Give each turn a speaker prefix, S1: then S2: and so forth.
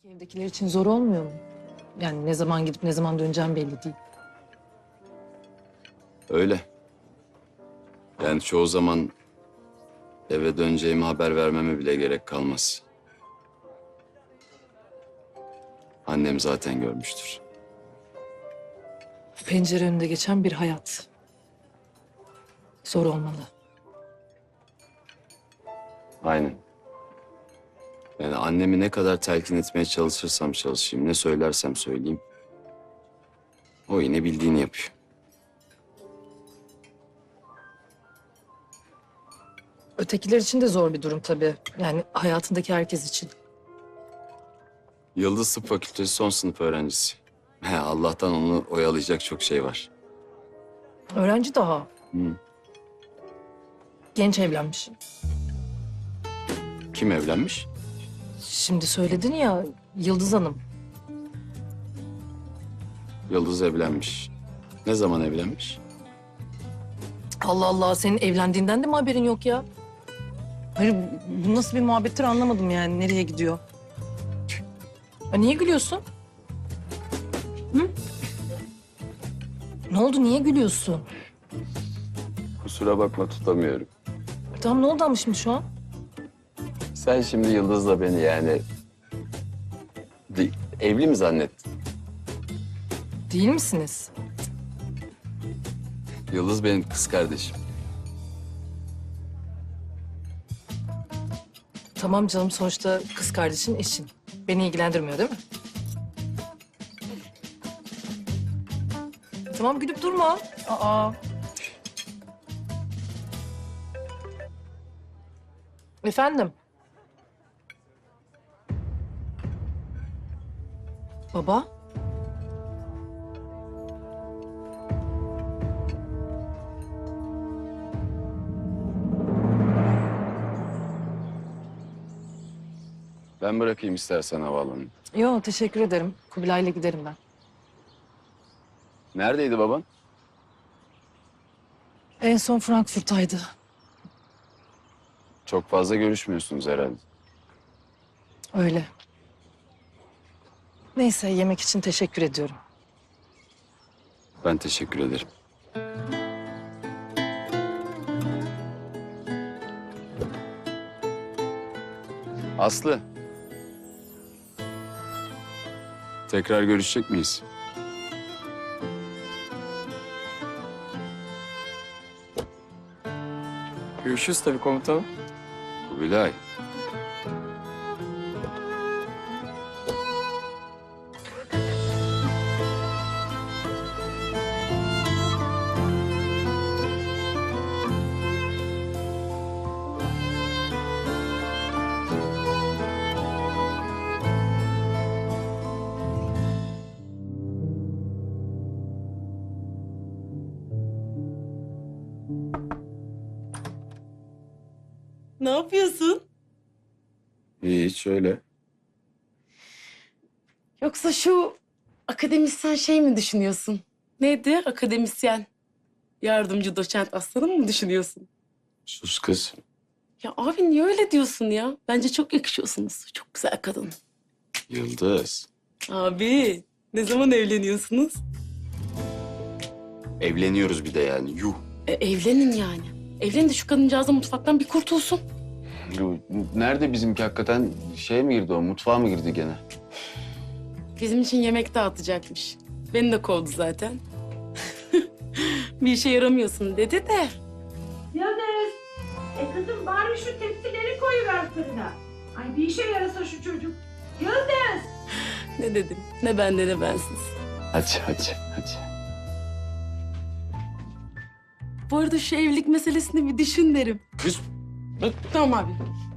S1: Evdekiler için zor olmuyor mu? Yani ne zaman gidip ne zaman döneceğim belli değil.
S2: Öyle. Yani çoğu zaman eve döneceğimi haber vermeme bile gerek kalmaz. Annem zaten görmüştür.
S1: Pencere önünde geçen bir hayat. Zor olmalı.
S2: Aynen. Yani annemi ne kadar telkin etmeye çalışırsam çalışayım, ne söylersem söyleyeyim, o yine bildiğini yapıyor.
S1: Ötekiler için de zor bir durum tabii. Yani hayatındaki herkes için.
S2: Yıldız Tıp Fakültesi son sınıf öğrencisi. Allah'tan onu oyalayacak çok şey var.
S1: Öğrenci daha.
S2: Hı.
S1: Genç evlenmiş.
S2: Kim evlenmiş?
S1: Şimdi söyledin ya Yıldız Hanım.
S2: Yıldız evlenmiş. Ne zaman evlenmiş?
S1: Allah Allah, senin evlendiğinden de mi haberin yok ya? Hayır, bu nasıl bir muhabbettir anlamadım yani. Nereye gidiyor? Niye gülüyorsun? Hı? Ne oldu, niye gülüyorsun?
S2: Kusura bakma, tutamıyorum.
S1: Tamam, ne oldu ama şimdi şu an?
S2: Sen şimdi Yıldız'la beni yani evli mi zannettin?
S1: Değil misiniz?
S2: Yıldız benim kız kardeşim.
S1: Tamam canım, sonuçta kız kardeşin eşin. Beni ilgilendirmiyor değil mi? Tamam, gülüp durma. Aa. Efendim? Baba?
S2: Ben bırakayım istersen havaalanına.
S1: Yok, teşekkür ederim. Kubilay'la giderim ben.
S2: Neredeydi baban?
S1: En son Frankfurt'taydı.
S2: Çok fazla görüşmüyorsunuz herhalde.
S1: Öyle. Neyse, yemek için teşekkür ediyorum.
S2: Ben teşekkür ederim. Aslı. Tekrar görüşecek miyiz?
S3: Görüşürüz tabii komutanım.
S2: Kubilay.
S4: Ne yapıyorsun?
S2: Hiç öyle.
S4: Yoksa şu akademisyen şey mi düşünüyorsun? Neydi akademisyen? Yardımcı doçent aslanım mı düşünüyorsun?
S2: Sus kız.
S4: Ya abi niye öyle diyorsun ya? Bence çok yakışıyorsunuz. Çok güzel kadın.
S2: Yıldız.
S4: Abi ne zaman evleniyorsunuz?
S2: Evleniyoruz bir de yani. Yuh.
S4: Evlenin yani. Evlenin de şu kadıncağızın mutfaktan bir kurtulsun.
S2: Yuh. Nerede bizimki hakikaten? Şey mi girdi o? Mutfağa mı girdi gene?
S4: Bizim için yemek dağıtacakmış. Beni de kovdu zaten. Bir işe yaramıyorsun dedi de.
S5: Yıldız, kızım bari şu tepsileri koyuver fırına. Ay bir işe yarasa şu çocuk. Yıldız!
S4: Ne dedim? Ne bende ne bensiz.
S2: Hadi.
S4: Bu arada şu evlilik meselesini bir düşün derim.
S2: Kız.
S4: Tamam abi.